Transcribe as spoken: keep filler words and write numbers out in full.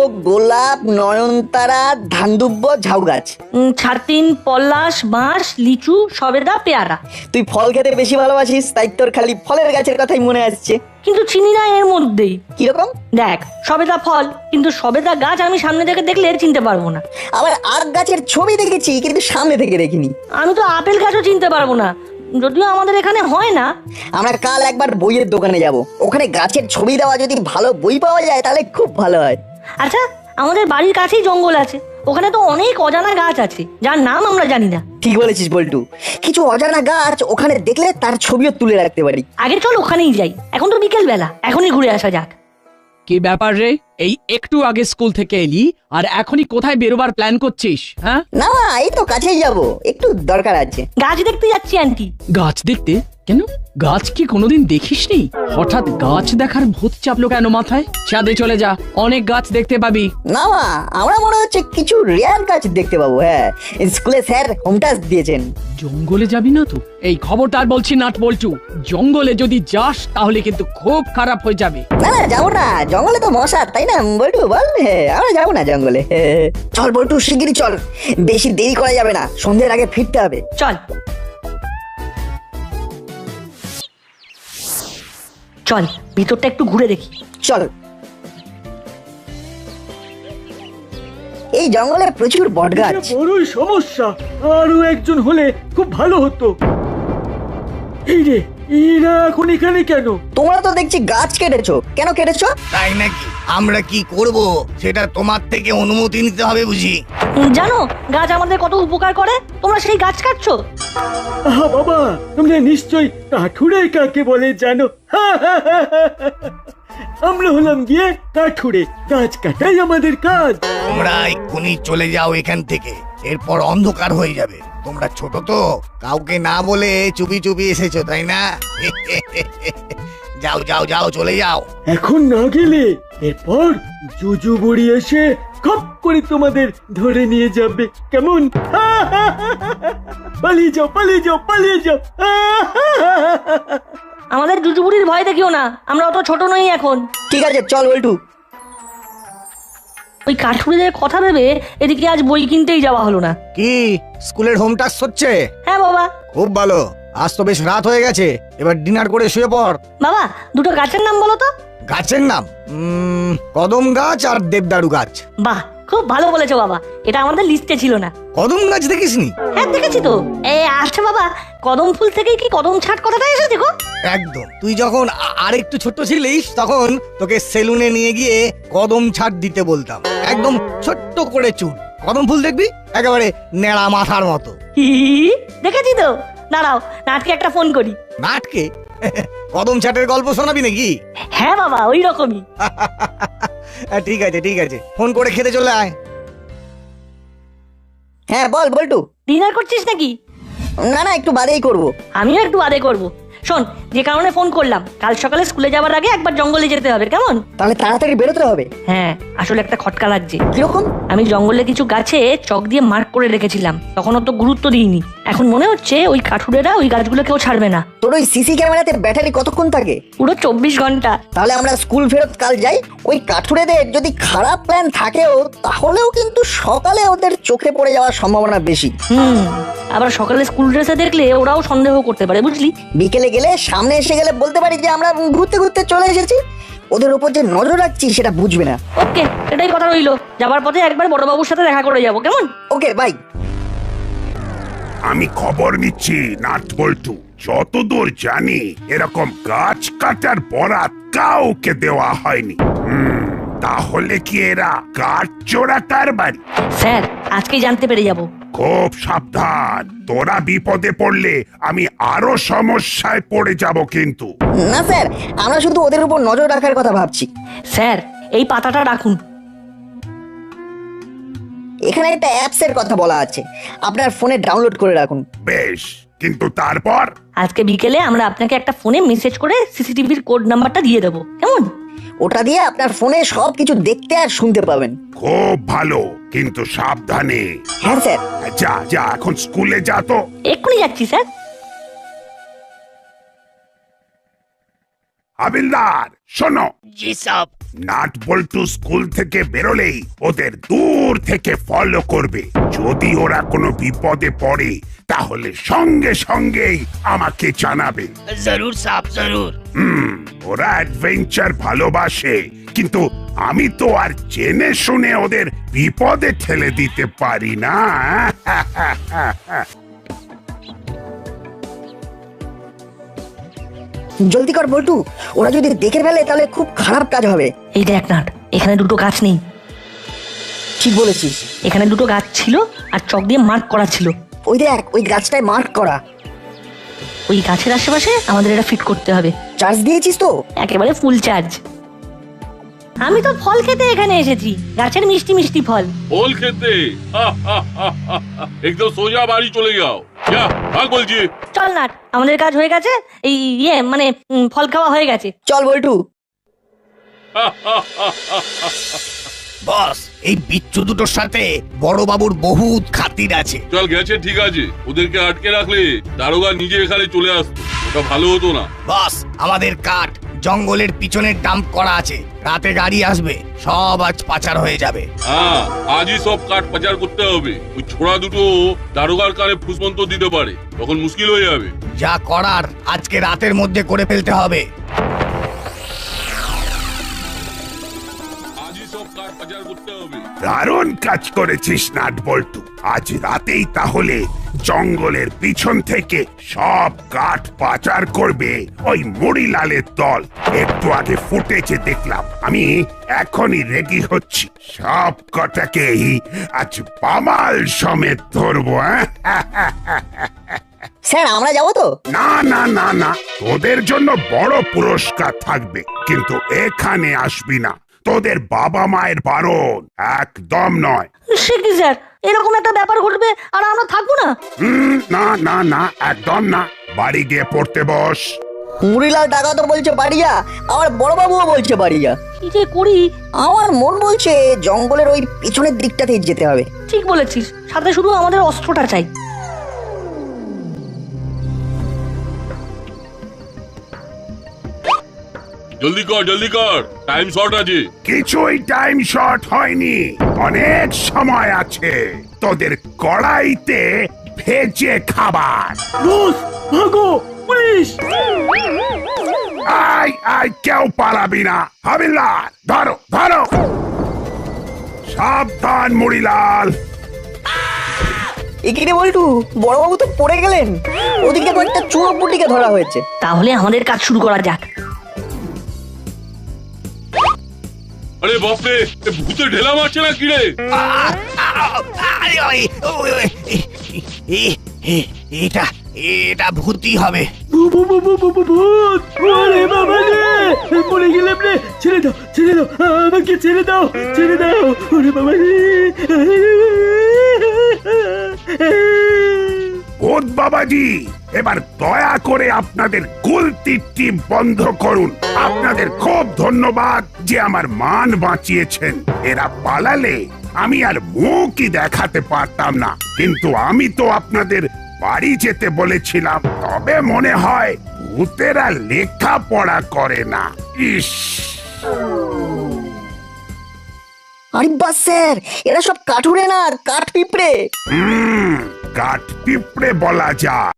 গোলাপ, নয়নতারা, ধানদুব্ব, ঝাউ গাছ। উম, ছাতিন, পলাশ, বাঁশ, লিচু, সবেদা, পেয়ারা। তুই ফল খেতে বেশি ভালোবাসিস, তাই তোর খালি ফলের গাছের কথাই মনে আসছে। কিন্তু চিনি না এর মধ্যেই। কিরকম? দেখ, সবেদা ফল, কিন্তু সবেদা গাছ আমি সামনে থেকে দেখলে চিনতে পারবো না। আবার আখ গাছের ছবি দেখেছি, কিন্তু সামনে থেকে দেখিনি। আমি তো আপেল গাছও চিনতে পারবো না, যদিও আমাদের এখানে হয় না। আমরা কাল একবার বইয়ের দোকানে যাব, ওখানে গাছের ছবি দেওয়া যদি ভালো বই পাওয়া যায় তাহলে খুব ভালো হয়। আচ্ছা, আমাদের বাড়ির কাছেই জঙ্গল আছে, ওখানে তো অনেক অজানা গাছ আছে যার নাম আমরা জানি না। ঠিক বলেছিস বল্টু, কিছু অজানা গাছ ওখানে দেখলে তার ছবিও তুলে রাখতে পারি। আগে চল ওখানেই যাই, এখন তো বিকেল বেলা, এখনই ঘুরে আসা যাক। কি ব্যাপার রে, এই একটু আগে স্কুল থেকে এলি আর এখনই কোথায় বেরোবার প্ল্যান করছিস? হ্যাঁ না, এই তো কাছেই যাব, একটু দরকার আছে। গাছ দেখতে যাচ্ছি আন্টি। গাছ দেখতে? কেন, গাছ কি কোনোদিন দেখিসনি? হঠাৎ গাছ দেখার ভূত চাপলো কেন মাথায়? ছাদে চলে যা, অনেক গাছ দেখতে পাবি। না মা, আমরা মনে হচ্ছে কিছু রেয়ার গাছ দেখতে পাবো। হ্যাঁ, স্কুলে স্যার হোম টাস্ক দিয়েছেন। জঙ্গলে যাবি না তো? এই খবরদার বলছি নাট বল্টু, জঙ্গলে যদি যাস তাহলে কিন্তু খুব খারাপ হয়ে যাবে। না না, যাবো না, জঙ্গলে তো মশা, তাই না বল্টু বল? হ্যাঁ, আমরা যাবো না জঙ্গলে। চল বল্টু, শিগগিরই চল, বেশি দেরি করা যাবে না, সন্ধ্যের আগে ফিরতে হবে। চল চল, ভিতরটা একটু ঘুরে দেখি। চল। এই জঙ্গলে প্রচুর বট গাছ। বড়ই সমস্যা, আরো একজন হলে খুব ভালো হতো। এই রে, এরা এখন এখানে কেন? তোমরা তো দেখছি গাছ কেটেছো, কেন কেটেছো? তাই নাকি? আমরা কি করব সেটা তোমার থেকে অনুমতি নিতে হবে বুঝি। উম, জানো গাছ আমাদের কত উপকার করে, তোমরা সেই গাছ কাটছো। আহা বাবা, তোমরা নিশ্চয়ই কাঠুরে কাকে বলে জানো? আমরা হলাম গিয়ে কাঠুরে, গাছ কাটাই আমাদের কাজ। তোমরা এক্ষুনি চলে যাও এখান থেকে, এরপর অন্ধকার হয়ে যাবে। তোমরা ছোট তো, কাউকে না বলে চুপি চুপি এসেছো তাই না? যাও যাও যাও, চলে যাও। এখন না গেলে এরপর জুজু বুড়ি এসে খপ করে তোমাদের ধরে নিয়ে যাবে। কেমন? পালিয়ে যাও, পালিয়ে যাও, পালিয়ে যাও। আমাদের জুজুবুড়ির ভয় দেখিও না, আমরা অত ছোট নই এখন। ঠিক আছে, চল বল্টু। ওই কাঠুরিদের কথা ভেবে এদিকে আজ বই কিনতেই যাওয়া হলো না। কি স্কুলের হোম টাস্ক হচ্ছে? হ্যাঁ বাবা। খুব ভালো, আজ তো বেশ রাত হয়ে গেছে, এবার ডিনার করে শুয়ে পড়। বাবা, দুটো গাছের নাম বলো তো। গাছের নাম? উম, কদম গাছ আর দেবদারু গাছ। বাহ, খুব ভালো বলেছো বাবা, এটা আমাদের লিস্টে ছিল না। কদম গাছ দেখিসনি? হ্যাঁ দেখেছি তো। এ আচ্ছা বাবা, কদম ফুল থেকেই কি কদম ছাট কথাটা এসে দেখো। একদম, তুই যখন আ- আর একটু ছোট ছিলিস তখন তোকে সেলুনে নিয়ে গিয়ে কদম ছাড় দিতে বলতাম। একদম ছোট্ট করে চুল, কদম ফুল দেখবি একেবারে নেড়া মাথার মতো। হি, দেখেছি তো। দাঁড়াও, নাটকে একটা ফোন করি। নাটকে? কদম ছাটের গল্প শোনাবি নাকি? হ্যাঁ বাবা, ওই রকমই। ঠিক আছে ঠিক আছে, ফোন করে খেতে চলে আয়। হ্যাঁ বল বল্টু। ডিনার করছিস নাকি? না না, একটু বাদেই করব। আমিও একটু বাদে করব। শোন, যে কারণে ফোন করলাম, কাল সকালে স্কুলে যাওয়ার আগে একবার জঙ্গলে যেতে হবে, কেমন? তাহলে তাড়াতাড়ি বেরোতে হবে। হ্যাঁ, আসলে একটা খটকা লাগছে। কিরকম? আমি জঙ্গলে কিছু গাছে চক দিয়ে মার্ক করে রেখেছিলাম, তখন অত গুরুত্ব দিইনি। এখন মনে হচ্ছে ওই কাঠুরেরা ওই গাছগুলো কেউ ছাড়বে না। তোর ওই সিসি ক্যামেরাতে ব্যাটারি কতক্ষণ থাকে? পুরো চব্বিশ ঘন্টা। তাহলে আমরা স্কুল ফেরত কাল যাই, ওই কাঠুরেদের যদি খারাপ প্ল্যান থাকেও তাহলেও কিন্তু সকালে ওদের চোখে পড়ে যাওয়ার সম্ভাবনা বেশি। হুম, আবার সকালে স্কুল ড্রেসে দেখলে ওরাও সন্দেহ করতে পারে, বুঝলি? বিকেলে গেলে সামনে এসে গেলে বলতে পারি যে আমরা ঘুরতে ঘুরতে চলে এসেছি, ওদের উপর যে নজর রাখছি সেটা বুঝবে না। ওকে, এটাই কথা রইলো। যাবার পথে একবার বড়বাবুর সাথে দেখা করে যাবো, কেমন? Okay bye. আমি খবর নিচ্ছি নাট বল্টু, যতদূর জানি এরকম গাছ কাটার বরাত কাউকে দেওয়া হয়নি। হুম, তাহলে কি এরা গাছ চোরা কারবারি? স্যার, আজকেই জানতে পেরে যাব। খুব সাবধান, তোরা বিপদে পড়লে আমি আরো সমস্যায় পড়ে যাব কিন্তু। না স্যার, আমরা শুধু ওদের উপর নজর রাখার কথা ভাবছি। স্যার, এই পাতাটা রাখুন। এখানে একটা অ্যাপস এর কথা বলা আছে, আপনার ফোনে ডাউনলোড করে রাখুন। বেশ, কিন্তু তারপর? আজকে বিকেলে আমরা আপনাকে একটা ফোনে মেসেজ করে সিসিটিভির কোড নাম্বারটা দিয়ে দেবো, কেমন? ওটা দিয়ে আপনার ফোনে সবকিছু দেখতে আর শুনতে পাবেন। খুব ভালো, কিন্তু সাবধানে। হ্যাঁ স্যার। যা যা, এখন স্কুলে যা তো। এক্ষুনি যাচ্ছি স্যার। হাবিলদার শোনো, জি সাব। নাট বল্টু স্কুল থেকে বেরোলেই ওদের দূর থেকে ফলো করবে। যদি ওরা কোনো বিপদে পড়ে তাহলে সঙ্গে সঙ্গেই আমাকে জানাবে। জরুর সাব জরুর। হুম, ওরা অ্যাডভেঞ্চার ভালোবাসে, কিন্তু আমি তো আর জেনে শুনে ওদের বিপদে ঠেলে দিতে পারি না। জলদি কর বল্টু, ওরা যদি দেখে ফেলে তাহলে খুব খারাপ কাজ হবে। এই দেখ নাট, এখানে দুটো গাছ নেই। ঠিক বলেছিস। এখানে দুটো গাছ ছিল আর চক দিয়ে মার্ক করা ছিল। ওই দেখ, ওই গাছটায় মার্ক করা। ওই গাছের আশেপাশে আমাদের এটা ফিট করতে হবে। চার্জ দিয়েছিস তো? একেবারে ফুল চার্জ। আমি তো ফল খেতে এখানে এসেছি, গাছের মিষ্টি মিষ্টি ফল। ফল খেতে? একদম সোজা বাড়ি চলে যাও। যা ভাগ বলছি। চল নাট, আমাদের কাজ হয়ে গেছে। এই ইয়ে মানে উম, ফল খাওয়া হয়ে গেছে। চল বল্টু। বস, এই বিচ্ছু দুটোর সাথে বড় বাবুর বহুত খাতির আছে। চল গেছে ঠিক আছে, ওদেরকে আটকে রাখলে দারোগা নিজে এখানে চলে আসতো, ওটা ভালো হতো না। বস, আমাদের কাঠ জঙ্গলের পিছনে ডাম্প করা আছে, রাতে গাড়ি আসবে, সব আজ পাচার হয়ে যাবে। হ্যাঁ, আজই সব কাঠ পাচার করতে হবে। ওই ছোড়া দুটো দারোগার কানে ফুসমন্ত দিতে পারে, তখন মুশকিল হয়ে যাবে। যা করার আজকে রাতের মধ্যে করে ফেলতে হবে। আজই সব কাঠ পাচার করতে হবে। দারুণ কাজ করেছিস নাট বল্টু। আজ রাতেই তাহলে জঙ্গলের পিছন থেকে সব কাঠ পাচার করবে ওই মুড়িলালের দল। একটু আগে ফুটেছে দেখলাম, আমি এখনই রেডি হচ্ছি। সব কটাকেই আজ পামাল সমেত ধরবো। হ্যাঁ, স্যার আমরা যাবো তো? না না না না, তোদের জন্য বড় পুরস্কার থাকবে, কিন্তু এখানে আসবি না। তোদের বাবা মায়ের বারণ, একদম নয়। সে কি স্যার, এরকম একটা ব্যাপার ঘটবে আর আমরা থাকবো না? হুম, না না না, একদম না। বাড়ি গিয়ে পড়তে বস। মুড়িলাল টাকা তো বলছে বাড়িয়া, আমার বড় বাবুও বলছে বাড়িয়া। কি যে করি? আমার মন বলছে জঙ্গলের ওই পিছনের দিকটাতেই যেতে হবে। ঠিক বলেছিস, সাথে শুধু আমাদের অস্ত্রটা চাই। জলদি কর জলদি কর, টাইম শর্ট আছে। কিছুই টাইম শর্ট হয়নি, অনেক সময় আছে। তোদের কড়াইতে ভেজে খাবার। বস ভাগো, পুলিশ! আয় আয়, কেউ পালাবি না। হাবিলদার ধরো ধরো। সাবধান মুড়িলাল। এখানে বল্টু, বড় বাবু তো পড়ে গেলেন। ওদিকে কয়েকটা চোর পুটিকে ধরা হয়েছে। তাহলে আমাদের কাজ শুরু করা যাক। আরে বাপরে, এ ভূতে ঢেলা মারছে না কি রে? আরে ওই, ওই, ওই, এ- এ- এটা এটা ভূতই হবে। ভূ- ভূ- ভূ- ভূ- ভূ- ভূ- ভূত! ওরে বাবা রে! মরে গেলাম রে! ছেড়ে দাও, ছেড়ে দাও, আমাকে ছেড়ে দাও, ছেড়ে দাও! ওরে বাবা রে! ভূত বাবাজি, এবার দয়া করে আপনাদের গুলতির টিপ বন্ধ করুন। আপনাদের খুব ধন্যবাদ যে আমার মান বাঁচিয়েছেন। এরা পালালে আমি আর মুখই দেখাতে পারতাম না, কিন্তু আমি তো আপনাদের বাড়ি যেতে বলেছিলাম। তবে মনে হয় ভূতেরা লেখাপড়া করে না। ইস, আরে বাস স্যার, এরা সব কাঠুরে না, কাঠ পিঁপড়ে। হুম, কাঠ পিঁপড়ে বলা যায়।